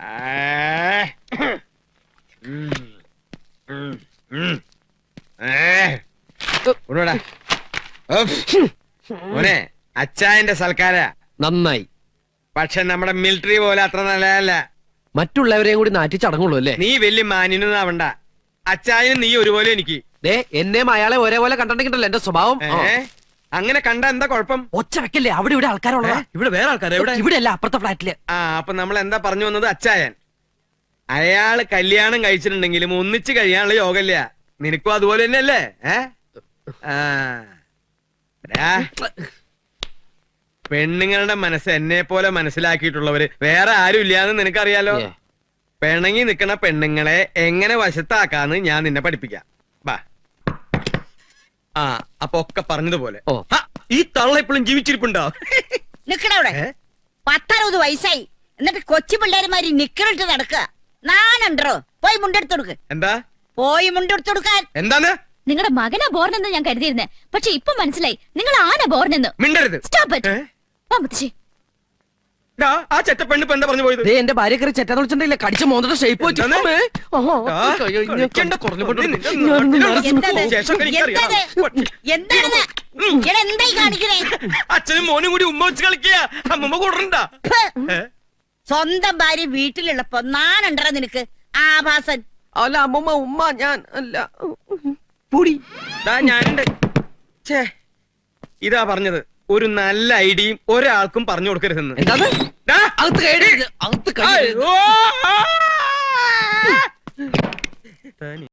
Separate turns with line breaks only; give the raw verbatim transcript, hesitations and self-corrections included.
മോനെ അച്ചായന്റെ സൽക്കാര
നന്നായി.
പക്ഷെ നമ്മുടെ മിലിറ്ററി പോലെ അത്ര നല്ലതല്ല.
മറ്റുള്ളവരെയും കൂടി നാറ്റി ചടങ്ങുള്ളൂ അല്ലേ?
നീ വലിയ മാന്യനൊന്നും ആവണ്ട. അച്ചായനും നീ ഒരുപോലെ എനിക്ക്.
ദേ എന്നെയും അയാളെ ഒരേപോലെ കണ്ടിട്ടുണ്ടല്ലോ എന്റെ സ്വഭാവം.
അങ്ങനെ കണ്ട എന്താ കുഴപ്പം?
ഒച്ച വെക്കല്ലേ, അവിടെ ഇവിടെ ആൾക്കാരുള്ളതാ.
ഇവിടെ വേറെ ആൾക്കാരെ
ഇവിടെ അല്ല, അപ്പുറത്തെ ഫ്ലാറ്റില്.
ആ അപ്പൊ നമ്മൾ എന്താ പറഞ്ഞു വന്നത്? അച്ചായൻ അയാള് കല്യാണം കഴിച്ചിട്ടുണ്ടെങ്കിലും ഒന്നിച്ച് കഴിയാനുള്ള യോഗല്ല. നിനക്കും അതുപോലെ തന്നെയല്ലേ? പെണ്ണുങ്ങളുടെ മനസ്സ് എന്നെ പോലെ മനസ്സിലാക്കിയിട്ടുള്ളവര് വേറെ ആരും ഇല്ലാന്ന് നിനക്കറിയാലോ. പിണങ്ങി നിക്കണ പെണ്ണുങ്ങളെ എങ്ങനെ വശത്താക്കാന്ന് ഞാൻ നിന്നെ പഠിപ്പിക്കാം. ബാ. ആ അപ്പൊ ഒക്കെ പറഞ്ഞതുപോലെ. ഈ തള്ള ഇപ്പോഴും ജീവിച്ചിരിപ്പുണ്ടോ?
നിക്കണവിടെ പത്തറുപത് വയസ്സായി എന്നിട്ട് കൊച്ചു പിള്ളേരുമാരി നിക്കറിട്ട് നടക്കുക. നാനുണ്ടോ? പോയി മുണ്ടെടുത്ത് കൊടുക്ക്.
എന്താ?
പോയി മുണ്ടെടുത്ത് കൊടുക്കാൻ.
എന്താണ്?
നിങ്ങളുടെ മകനാ ബോർനെന്ന് ഞാൻ കരുതിയിരുന്നേ, പക്ഷെ ഇപ്പൊ മനസ്സിലായി നിങ്ങൾ ആന ബോർനെന്ന്.
മിണ്ടരുത്.
Stop it. വാ മുത്തശ്ശി.
ആ ചെറ്റപ്പെണ്ണ് ഇപ്പൊ എന്താ പറഞ്ഞു പോയത്?
എന്റെ ഭാര്യ കയറി ചെറ്റ വിളിച്ചിട്ടില്ല, കടിച്ച മോന്തയുടെ ഷേപ്പ് വെച്ചു.
അച്ഛനും മോനും കൂടി ഉമ്മ വെച്ച് കളിക്കുക. അമ്മമ്മ കൂടണ്ട.
സ്വന്തം ഭാര്യ വീട്ടിലുള്ളപ്പോ നാനുണ്ടോ നിനക്ക്? ആഭാസൻ.
അല്ല അമ്മമ്മ, ഉമ്മ ഞാൻ അല്ല. പൂടി
ഞാനുണ്ട്. ഛേ, ഇതാ പറഞ്ഞത്. ഒരു നല്ല ഐഡിയയും ഒരാൾക്കും പറഞ്ഞു കൊടുക്കരുതെന്ന്.
എന്താണ്? അകത്ത് കയറി, അകത്ത് കയറി.